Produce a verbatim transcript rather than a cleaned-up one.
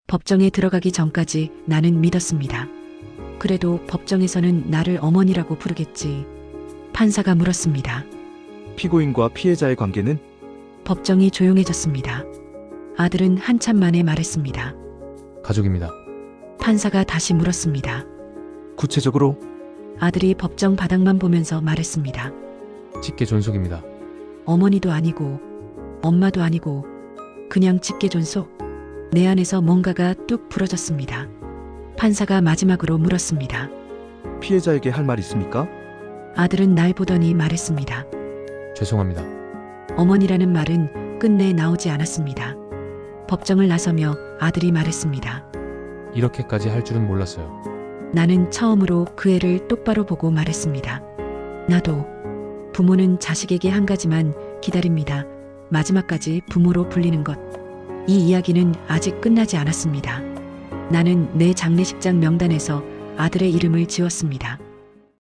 법정에 들어가기 전까지 나는 믿었습니다. 그래도 법정에서는 나를 어머니라고 부르겠지. 판사가 물었습니다. 피고인과 피해자의 관계는? 법정이 조용해졌습니다. 아들은 한참 만에 말했습니다. 가족입니다. 판사가 다시 물었습니다. 구체적으로? 아들이 법정 바닥만 보면서 말했습니다. 직계 존속입니다. 어머니도 아니고 엄마도 아니고 그냥 직계 존속. 내 안에서 뭔가가 뚝 부러졌습니다. 판사가 마지막으로 물었습니다. 피해자에게 할 말 있습니까? 아들은 날 보더니 말했습니다. 죄송합니다. 어머니라는 말은 끝내 나오지 않았습니다. 법정을 나서며 아들이 말했습니다. 이렇게까지 할 줄은 몰랐어요. 나는 처음으로 그 애를 똑바로 보고 말했습니다. 나도 부모는 자식에게 한 가지만 기다립니다. 마지막까지 부모로 불리는 것. 이 이야기는 아직 끝나지 않았습니다. 나는 내 장례식장 명단에서 아들의 이름을 지웠습니다.